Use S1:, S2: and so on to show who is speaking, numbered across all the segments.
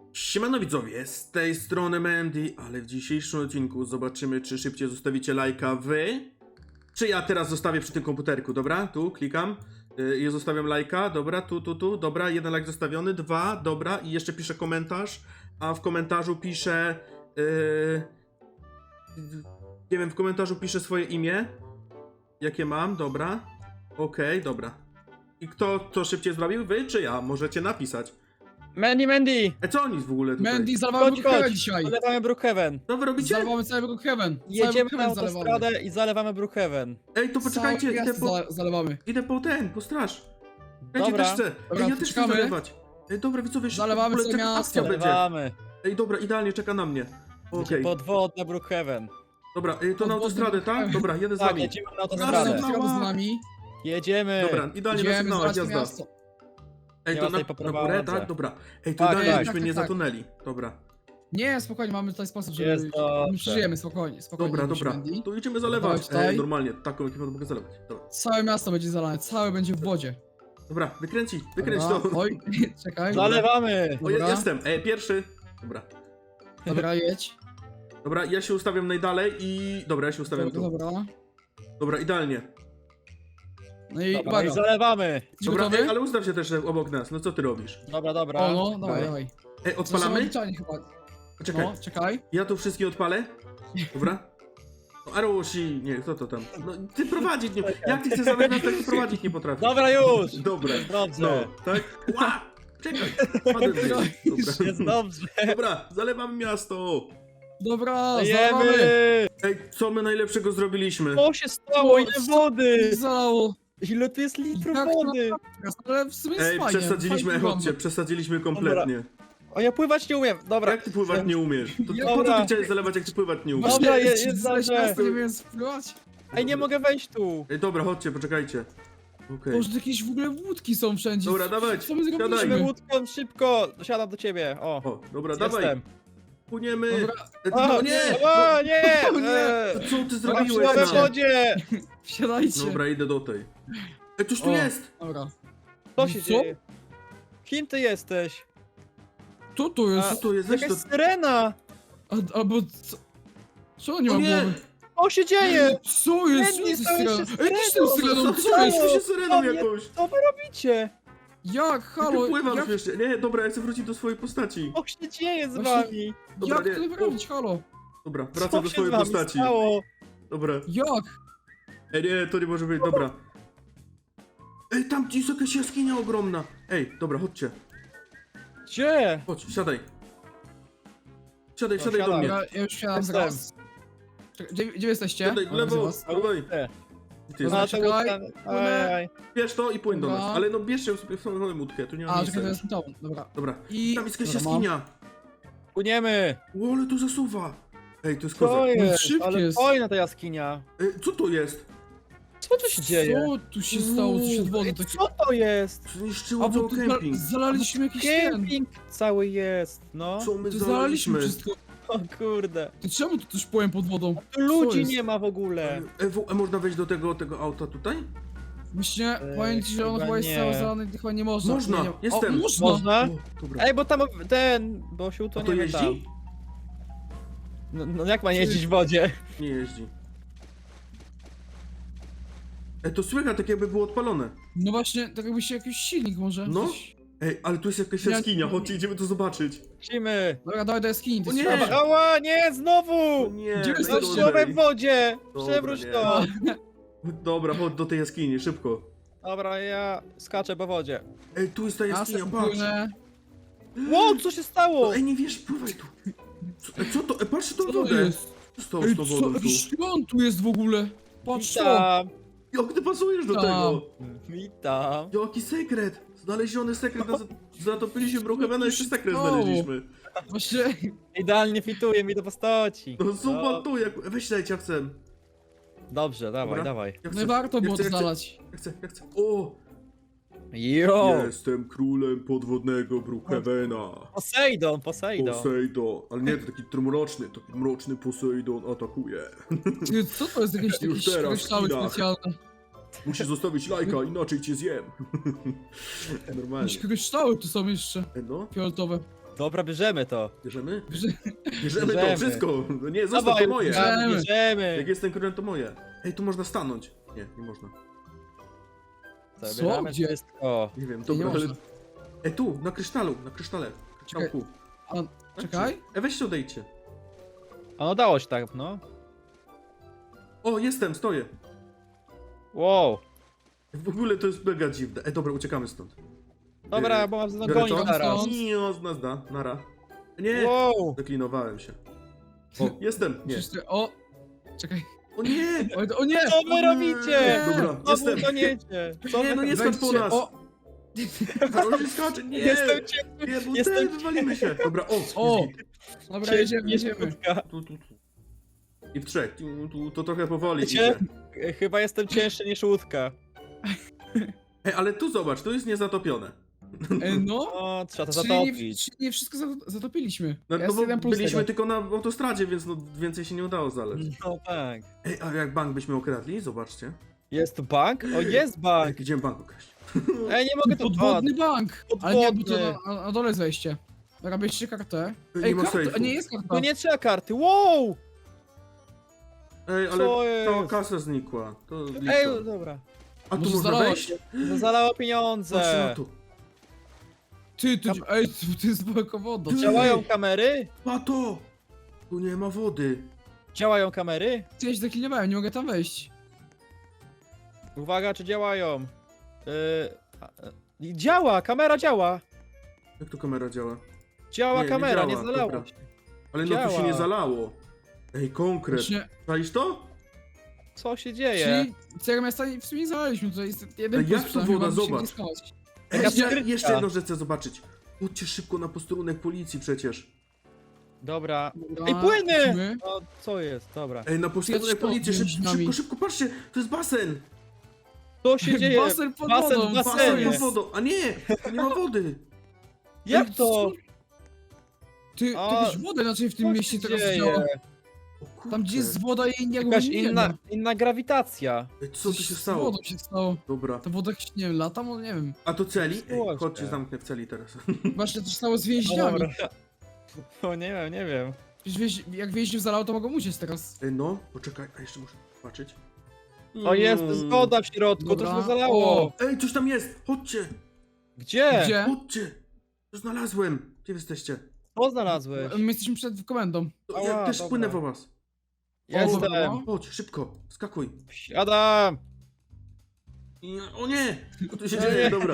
S1: Siemano widzowie, z tej strony Mandy, ale w dzisiejszym odcinku zobaczymy, czy szybciej zostawicie lajka wy, czy ja teraz zostawię przy tym komputerku, dobra? Tu klikam i zostawiam lajka, dobra, tu, dobra, jeden lajk zostawiony, 2, dobra, i jeszcze piszę komentarz, a w komentarzu piszę, nie wiem, w komentarzu piszę swoje imię, jakie mam, dobra, okej, dobra. I kto to szybciej zrobił, wy czy ja? Możecie napisać.
S2: Mandy!
S1: Co oni w ogóle tutaj?
S3: Mandy, zalewamy
S2: Chodź,
S3: Brookhaven
S2: chodź!
S3: dzisiaj.
S2: Zalewamy Brookhaven.
S1: Co wy robicie?
S3: Zalewamy cały Brookhaven.
S2: Jedziemy na
S3: Cały Brookhaven
S2: autostradę i zalewamy Brookhaven.
S1: Ej, to poczekajcie,
S3: Całe miasto zalewamy.
S1: idę po straż. Ja
S2: Dobra.
S1: też chcę.
S3: Dobra,
S1: Ej, ja też chcę
S3: czekamy.
S1: zalewać. Ej, dobra, widzowie, szybko,
S3: Zalewamy
S1: w ogóle
S3: całe
S1: taka
S3: miasto.
S1: akcja będzie.
S2: Zalewamy.
S1: Ej, dobra, idealnie, czeka na mnie. Okej,
S2: Podwodna Brookhaven.
S1: dobra, to na
S3: Podwodny
S1: autostradę, tak?
S3: Brookhaven.
S1: Dobra, jedę z
S2: Tak,
S1: wami.
S2: jedziemy na
S3: Razem
S2: autostradę.
S1: Dobra.
S3: z nami.
S2: Jedziemy.
S1: Dobra, idealnie na
S3: Idziemy
S1: sygnałach,
S3: zalać
S1: jazda.
S3: miasto.
S1: Ej,
S2: Nie
S1: to
S2: ma tej
S1: na
S2: poprowadzę.
S1: górę, tak? Dobra. Ej, to
S2: Tak,
S1: idealnie,
S2: tak,
S1: żebyśmy nie
S3: tak.
S1: zatonęli. Dobra,
S3: Nie, spokojnie, mamy tutaj sposób, żeby...
S2: Jest dobrze.
S3: My przeżyjemy, spokojnie, spokojnie.
S1: dobra,
S3: musimy,
S1: dobra.
S3: Mandy.
S1: To idziemy zalewać.
S3: Dawaj tutaj.
S1: Normalnie, taką ekipę to mogę zalewać. Dobra,
S3: Całe miasto będzie zalane, całe będzie w wodzie.
S1: dobra, wykręć
S3: Dobra.
S1: to.
S3: Oj, czekaj.
S2: Zalewamy.
S1: O,
S3: Dobra.
S1: jestem, pierwszy. Dobra.
S3: Dobra, jedź.
S1: Dobra, ja się ustawiam najdalej i... Dobra, ja się ustawiam
S3: Dobra,
S1: tu.
S3: dobra.
S1: Dobra, idealnie.
S3: No i
S2: Dobra,
S3: uwaga.
S2: i zalewamy.
S3: Jesteś
S1: Dobra,
S3: gotowy?
S1: ale ustaw się też obok nas. No co ty robisz?
S2: Dobra, dobra.
S3: O, no, dawaj, dawaj.
S1: Ej, odpalamy?
S3: Odliczanie chyba.
S1: Czekaj,
S3: No, czekaj.
S1: ja tu wszystkie odpalę? Dobra? No, Arusi, nie, kto to tam? No, ty prowadzić nie... Jak ty chcesz zamykać, tak ty prowadzić nie potrafisz.
S2: Dobra już.
S1: Dobra, no,
S2: Dobrze.
S1: tak? Ła! Czekaj, padłem tutaj. Dobra.
S2: Jest dobrze.
S1: Dobra, zalewam miasto.
S3: Dobra,
S2: Jemy.
S3: zalewamy.
S1: Ej, co my najlepszego zrobiliśmy?
S2: Co się stało? Ile wody?
S3: Zalało.
S2: Ile tu jest litrów
S3: Jak to-
S2: wody?
S3: Ale w sumie jest
S1: Ej,
S3: fajnie.
S1: przesadziliśmy,
S3: fajnie
S1: chodźcie, przesadziliśmy kompletnie.
S2: O, ja pływać nie umiem. Dobra.
S1: Jak ty pływać nie umiesz? To
S3: Ja-
S1: po co
S2: Dobra.
S1: ty chciałeś zalewać, jak ty pływać nie umiesz?
S2: Dobra,
S3: Właśnie,
S2: jest
S3: zaleć
S2: dobrze.
S3: miasto, nie wiem spływać.
S2: Ej, nie mogę wejść tu.
S1: Ej, dobra, chodźcie, poczekajcie. Okej.
S3: Boże, jakieś w ogóle łódki są wszędzie.
S1: Dobra, dawać,
S3: Co my
S1: siadaj.
S2: Musimy
S3: zrobiliśmy?
S2: łódką szybko. Siadam do ciebie. O.
S1: O, dobra, dawaj,
S2: Jestem.
S1: płyniemy.
S3: Dobra,
S1: No nie!
S2: O, nie!
S3: O nie!
S1: Co ty
S2: Byłem
S1: zrobiłeś?
S2: w
S1: No?
S2: wodzie!
S3: wsiadajcie.
S1: Dobra, idę do tej. Ej, cóż tu
S3: O.
S1: jest?
S3: Dobra.
S2: Co się
S3: Co?
S2: dzieje? Kim ty jesteś?
S3: Co to jest?
S1: Co tu jest? Weź
S2: Jakaś
S1: to...
S2: syrena!
S3: Albo co? Co nie
S1: O
S3: ma
S1: nie!
S3: głowy?
S2: Co się dzieje?
S3: Co jest?
S2: Mandy,
S3: Co
S2: to
S3: jest
S2: jest
S3: syreną? Ej, ty z
S2: syreną.
S3: tym syreną,
S1: Co
S3: co jest?
S1: jest? Się syreną
S2: O nie.
S1: jakąś.
S2: Co wy robicie?
S3: Jak? Halo?
S1: Ty pływam
S3: Jak,
S1: jeszcze. Nie, dobra, ja chcę wrócić do swojej postaci.
S2: Co się dzieje z
S3: Właśnie-
S2: wami?
S1: Dobra,
S3: jak
S1: nie.
S3: to wyrobić? Halo?
S1: Dobra,
S2: Co
S1: wracam do
S2: się
S1: swojej
S2: z wami
S1: postaci.
S2: stało?
S1: Dobra.
S3: Jak?
S1: Ej, nie, to nie może być, dobra. Ej, tam jest jakaś jaskinia ogromna. Ej, dobra, chodźcie.
S2: Gdzie?
S1: Chodź, siadaj. Siadaj,
S2: No,
S1: siadaj do
S2: siadam.
S1: mnie.
S3: Ja już wsiadam
S2: Jestem.
S3: zaraz. Czekaj, gdzie jesteście?
S1: Siadaj w
S3: O,
S1: lewo,
S3: widzę was.
S1: dawaj.
S2: Te.
S1: Ty
S3: Dobra,
S1: jesteś.
S3: czekaj.
S2: Ajaj.
S1: Bierz to i płyń do
S3: Dobra.
S1: nas. Ale no bierzcie sobie w samą łódkę, tu nie ma
S3: A, czekaj, to
S1: miejsca.
S3: jest to. Dobra.
S1: Dobra.
S3: I...
S1: Tam jest jakaś
S3: Dobra, mam.
S1: jaskinia.
S2: Płyniemy!
S1: O, ale tu zasuwa. Ej, to jest
S2: Co
S1: kozak.
S2: jest?
S3: szybkie
S2: Ale
S3: jest.
S2: fajna ta jaskinia.
S1: Ej, co to jest?
S2: Co tu się dzieje?
S3: Co tu się stało? Co się od wody
S2: Ej,
S3: takie...
S2: co to jest?
S1: Zniszczyło
S3: A, bo
S1: cały
S3: tu
S1: kemping.
S3: zalaliśmy jakiś ten.
S2: Kemping cały jest, no.
S1: Co my
S3: Tu zalaliśmy
S1: zalaliśmy?
S3: wszystko.
S2: O kurde.
S3: Ty czemu tu też płyłem pod wodą?
S2: Tu ludzi
S3: jest?
S2: nie ma w ogóle.
S1: Można wejść do tego auta tutaj?
S3: Myślę, powiem ci, że on
S2: chyba
S3: chyba jest
S2: nie.
S3: cały zalany, chyba nie można.
S1: Można,
S3: Nie, nie.
S1: jestem.
S3: O, można!
S2: Można?
S1: O, dobra.
S2: Ej, bo tam ten, bo się
S1: A to
S2: utoniemy tam.
S1: jeździ?
S2: No jak ma jeździć w wodzie?
S1: Nie jeździ. Ej, to słychać tak jakby było odpalone.
S3: No właśnie, tak jakby się jakiś silnik może.
S1: No.
S3: Coś-
S1: Ej, ale tu jest jakaś
S3: Ja-
S1: jaskinia, chodźcie, idziemy to zobaczyć.
S2: Musimy.
S3: Dobra, dawaj do jaskini.
S1: O nie!
S3: Dobra,
S2: Ała, nie,
S1: O
S2: znowu!
S1: nie,
S3: Gdzie jest
S1: najgorzej.
S2: Zacząłem w wodzie!
S1: Dobra,
S2: Przewróć
S1: nie.
S2: to!
S1: Dobra, chodź do tej jaskini, szybko.
S2: Dobra, ja skaczę po wodzie.
S1: Ej, tu jest ta
S3: ja
S1: jaskinia,
S3: sobie
S1: patrz.
S3: płynę.
S2: Wow, co się stało?
S1: No, ej, nie wiesz, pływaj tu. Co to? Patrz tą
S3: Co to
S1: wodę.
S3: jest?
S1: Co stało
S3: Ej,
S1: z tą
S3: co?
S1: wodą tu?
S3: Jakiś świąt tu jest w ogóle. Patrz to.
S2: Witam.
S1: Jak ty pasujesz do
S3: Tam.
S1: tego?
S2: Witam.
S1: Jaki sekret? Znaleziony sekret, zatopiliśmy Brookhavena, jeszcze sekret
S3: stało?
S1: znaleźliśmy.
S3: Właśnie,
S2: Idealnie fituje mi do postaci.
S1: No zobacz tu, jak... Weź dajcie, ja chcę.
S2: Dobrze, dawaj,
S1: Dobra.
S2: dawaj.
S1: Ja
S3: no i warto było to znalać.
S1: Ja chcę. O!
S2: Jo!
S1: Jestem królem podwodnego Brookhavena.
S2: Posejdon, Posejdon.
S1: Poseidon. Ale nie, to taki mroczny Poseidon atakuje.
S3: Ty, co to jest jakieś
S1: Już teraz,
S3: kryształy
S1: chwila.
S3: specjalne?
S1: Musisz zostawić lajka, inaczej cię zjem. Normalnie.
S3: Jakieś kryształy tu są jeszcze.
S1: No.
S3: Fioletowe.
S2: Dobra, bierzemy to.
S1: Bierzemy?
S3: Że-
S1: Bierzemy to,
S2: Bierzemy.
S1: wszystko. No nie, zostaw
S2: Dawaj,
S1: to moje.
S3: bierzemy.
S2: Bierzemy.
S1: Jak jestem królem, to moje. Ej, tu można stanąć. Nie, nie można.
S2: Zabieramy
S3: Gdzie?
S2: wszystko.
S1: Nie wiem,
S3: Nie
S1: dobra, ale...
S3: można.
S1: Ej, tu, na krysztalu, na krysztale. Kryształku.
S3: Czekaj.
S1: Weźcie, odejdźcie.
S2: A no dało się tak, no.
S1: O, jestem, stoję.
S2: Wow.
S1: W ogóle to jest mega dziwne. Ej, dobra, uciekamy stąd.
S2: Dobra, bo mam
S1: biorę
S2: goni
S1: to?
S2: zaraz.
S1: Nie, nazda, nara. Nie,
S2: Wow.
S1: zaklinowałem się. O, jestem, nie.
S3: Przecież o! Czekaj.
S1: O nie!
S3: O nie!
S2: Co wy robicie?
S1: Dobra,
S2: Co wy
S1: jestem.
S2: toniecie? Co
S1: Nie,
S2: wy...
S1: no nie skacz po
S3: Wejdźcie,
S1: nas.
S3: o!
S1: Karol się skacze, nie!
S2: Jestem
S1: Nie, bo
S2: jestem-
S1: wywalimy się. Dobra,
S3: O!
S1: jest git.
S3: Dobra, jedziemy, jedziemy.
S1: Tu. I w trzech, to trochę powoli
S2: Wiecie?
S1: idzie.
S2: Chyba jestem cięższy niż łódka.
S1: Ej, ale tu zobacz, tu jest niezatopione.
S3: No.
S2: O, trzeba to
S3: Czyli nie,
S2: zatopić.
S3: czyli nie wszystko zatopiliśmy.
S1: No,
S3: Jest
S1: bo
S3: jeden plus
S1: byliśmy
S3: tego.
S1: tylko na autostradzie, więc no, więcej się nie udało znaleźć.
S2: No tak.
S1: Ej, a jak bank byśmy okradli? Zobaczcie.
S2: Jest tu bank? O, jest
S1: Ej,
S2: bank.
S1: idziemy bank okraść.
S2: Ej, nie mogę tu...
S3: Podwodny bank! Ale nie, bo to
S2: Podwodny.
S3: na dole jest wejście. Dobra, bierzcie kartę.
S1: Nie
S3: Ej,
S1: ma
S3: karta,
S1: sejfu.
S3: a nie jest karta.
S2: No nie trzeba karty. Wow!
S1: Ej, ale
S2: Co
S1: cała
S2: jest?
S1: kasa znikła. To lipa.
S2: Ej, dobra.
S1: A tu
S3: Może
S1: można
S3: zalało
S1: wejść?
S3: się.
S2: Zalało
S1: Patrzcie na
S2: pieniądze.
S1: to.
S3: Ej, to jest woda.
S2: Działają kamery?
S1: Pato! Tu nie ma wody.
S2: Działają kamery?
S3: Ja się zaklinowałem, nie mogę tam wejść.
S2: Uwaga, czy działają? Działa, kamera działa.
S1: Jak to kamera działa?
S2: Działa
S1: Nie
S2: kamera, nie
S1: działa,
S2: zalało
S1: dobra.
S2: się.
S1: Ale no tu się
S2: Działa.
S1: nie zalało. Ej, konkret.
S3: Właśnie,
S1: Czaisz to?
S2: Co się dzieje?
S3: czyli całego miasta w sumie nie zalaliśmy, to jest jeden
S1: Ej, jak
S3: plus,
S1: tu
S3: przynajmniej
S1: woda?
S3: mamy się
S1: Zobacz.
S3: nie schować.
S1: Ej,
S2: Jaka
S1: jeszcze,
S2: skrytka.
S1: jeszcze jedną rzecz chcę zobaczyć. Chodźcie szybko na posterunek policji przecież.
S2: Dobra.
S3: Dobra,
S2: Ej, płyny!
S3: lecimy.
S2: O, co jest? Dobra.
S1: Ej, na posterunek
S3: Jakiś
S1: policji,
S3: między
S1: szybko,
S3: nami.
S1: szybko, szybko, patrzcie, to jest basen.
S2: Co się dzieje?
S3: Basen pod
S2: Basen
S3: wodą,
S2: w
S1: Basen
S2: basenie.
S1: pod wodą. A nie, tu nie ma wody.
S2: Jak
S3: Ej,
S2: to?
S3: co? Ty
S2: A,
S3: jakaś woda inaczej w tym
S2: Co
S3: mieście
S2: się
S3: teraz
S2: dzieje?
S3: działa.
S1: O kurczę.
S3: Tam gdzie jest woda i nie
S2: Jakaś
S3: nie
S2: inna,
S3: ma.
S2: inna grawitacja.
S1: Ej, co tu się
S3: Z
S1: stało?
S3: wodą się stało.
S1: Dobra.
S3: Ta woda jakoś, nie wiem, lata, może nie wiem.
S1: A to celi? Ej,
S2: Słuchajcie.
S1: chodźcie, zamknę w celi teraz.
S3: Właśnie to się stało z
S2: No
S3: więźniami.
S2: dobra. O, nie wiem, nie wiem.
S3: Przecież jak więźniów zalało, to mogą uciec teraz.
S1: Ej, no, poczekaj, a jeszcze muszę zobaczyć.
S2: O, jest
S1: Mm.
S2: zgoda w środku, to
S3: Dobra.
S2: się zalało.
S3: O.
S1: Ej, coś tam jest! Chodźcie!
S2: Gdzie?
S3: Gdzie?
S1: Chodźcie! To znalazłem! Gdzie wy jesteście?
S2: Co znalazłeś?
S3: My jesteśmy przed komendą.
S1: To ja
S2: Ała,
S1: też
S2: dobra.
S1: płynę po was.
S2: Jestem.
S3: Dobra.
S1: Chodź, szybko, skakuj.
S2: Siadam.
S1: O nie! Co tu się
S2: O
S1: dzieje?
S2: nie.
S1: Dobra.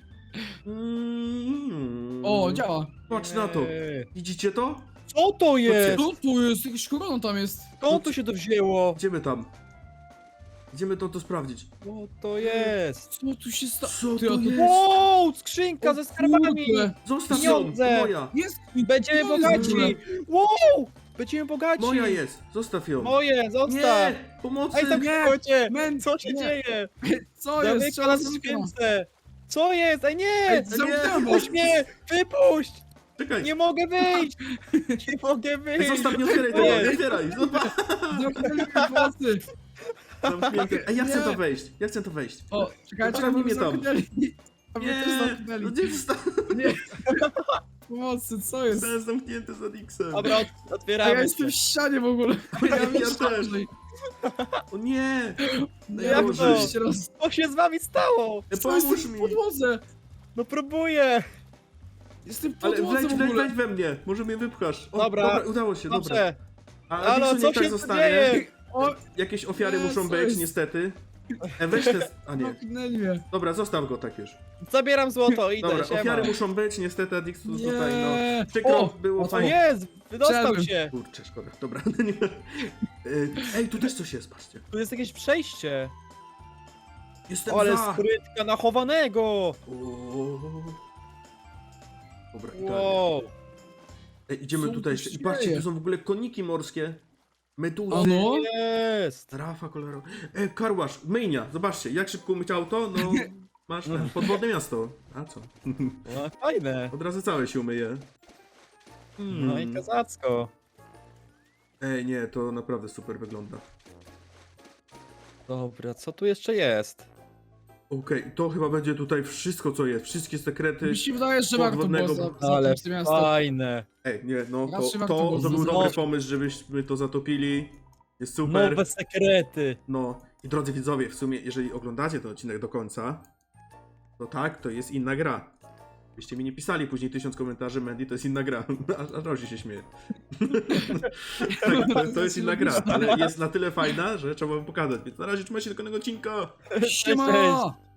S3: O, działa.
S1: Patrz na to.
S2: Ej.
S1: Widzicie to?
S2: Co to jest?
S3: Co tu jest? Jakaś korona tam jest.
S2: Skąd to się to wzięło?
S1: Idziemy tam. Idziemy to sprawdzić.
S2: Co to jest?
S3: Co tu się stało?
S1: Co
S3: Ty,
S1: to
S3: a to-
S1: jest?
S2: Wow, skrzynka ze skarbami.
S3: Kurde.
S1: Zostaw ją!
S2: pieniądze.
S1: Moja!
S3: Jest!
S2: Będziemy
S3: Co jest w ogóle?
S2: bogaci. Wow, będziemy bogaci.
S1: Moja jest! Zostaw ją!
S2: Moje, zostaw.
S1: Nie! Pomocy!
S2: Ej, tam
S3: Nie.
S2: chodźcie.
S3: Men,
S2: Co się
S3: nie.
S2: dzieje?
S3: Co jest?
S2: Zamyka
S3: Trzeba
S2: nas w
S3: zamknąć.
S2: skrzynce. Co jest? Ej, nie!
S3: Ej, zamknąłem was.
S2: Puść mnie! Wypuść!
S1: Czekaj!
S2: Nie mogę wyjść! Nie mogę
S1: Ej,
S2: wyjść!
S1: zostaw, nie otwieraj tego! Nie otwieraj! Zobacz!
S3: Zamknęli mnie pomocy.
S1: Zamknięte. Ej, ja chcę
S3: Nie.
S1: to wejść! Ja chcę to wejść!
S3: O, czekajcie,
S1: Zostaw
S3: aby
S1: mnie
S3: mnie
S1: tam.
S3: zamknęli. A mnie też
S1: Nie!
S3: zamknęli.
S1: No gdzie został?
S3: Nie. Pomocy, co jest?
S1: Zostałem zamknięty z Adixem.
S2: Dobra,
S3: A ja
S2: otwieramy
S3: jestem w
S2: się.
S3: ścianie w ogóle.
S1: Ja
S3: jeszcze
S1: też.
S3: gorzej.
S1: O nie!
S2: Jak
S1: Boże.
S2: to?
S3: Jeszcze raz.
S2: Co się z wami stało?
S3: Co jest
S1: Pomóż
S3: w
S1: mi!
S3: podłodze?
S2: No próbuję!
S3: Jestem w
S1: Ale
S3: podłodze w ogóle.
S1: wejdź we mnie! Może mnie wypchasz. O,
S2: Dobra.
S1: udało się, dobra.
S2: Dobrze.
S1: A
S2: Halo,
S1: Adixu
S2: co
S1: niech tak
S2: się tu
S1: zostanie.
S2: dzieje?
S3: O,
S1: Jakieś ofiary
S3: Nie,
S1: muszą
S3: co
S1: być,
S3: jest?
S1: niestety. Weź te... A nie.
S3: zamknęli mnie.
S1: Dobra, zostaw go tak już.
S2: Zabieram złoto, idę,
S1: Dobra,
S2: siema.
S1: ofiary muszą być, niestety Adixu tutaj, no.
S3: Nie.
S1: Przykro,
S2: O,
S1: było
S3: o,
S2: Co
S1: fajnie.
S2: jest? Wydostał
S3: Wszedłem.
S2: się!
S1: Kurczę, szkoda, dobra. Nie. Ej, tu też coś jest, patrzcie.
S2: Tu jest jakieś przejście.
S1: Jestem
S2: Ale
S1: za!
S2: skrytka na chowanego!
S1: O. Dobra, idealnie.
S2: Wow.
S1: Ej, idziemy
S3: Co
S1: tutaj
S3: tu
S1: jeszcze. I
S3: się
S1: patrzcie,
S3: dzieje?
S1: tu są w ogóle koniki morskie. Meduzy.
S3: A no?
S2: Jest!
S1: Rafa kolorowa. Karłasz, myjnia, zobaczcie, jak szybko umyć auto, no masz ten, podwodne miasto. A co?
S2: No, fajne.
S1: Od razu całe się umyje.
S2: No i kozacko.
S1: Ej, nie, to naprawdę super wygląda.
S2: Dobra, co tu jeszcze jest?
S1: Okej, to chyba będzie tutaj wszystko, co jest. Wszystkie sekrety.
S3: Mi się wydaje, że warto było
S1: podwodnego-
S2: Ale
S3: zatopić to miasto.
S2: fajne.
S1: Ej, nie, no
S3: Raczej
S1: to
S3: warto było
S1: był
S3: znowu-
S1: dobry pomysł, żebyśmy to zatopili. Jest super.
S2: Nowe sekrety.
S1: No i drodzy widzowie, w sumie, jeżeli oglądacie ten odcinek do końca, to tak, to jest inna gra. Byście mi nie pisali później 1000 komentarzy, Mandy, to jest inna gra. Aż Rozi się śmieje. Tak, to jest inna gra, ale jest na tyle fajna, że trzeba wam pokazać. Więc na razie trzymajcie się do kolejnego odcinka.
S3: Siema!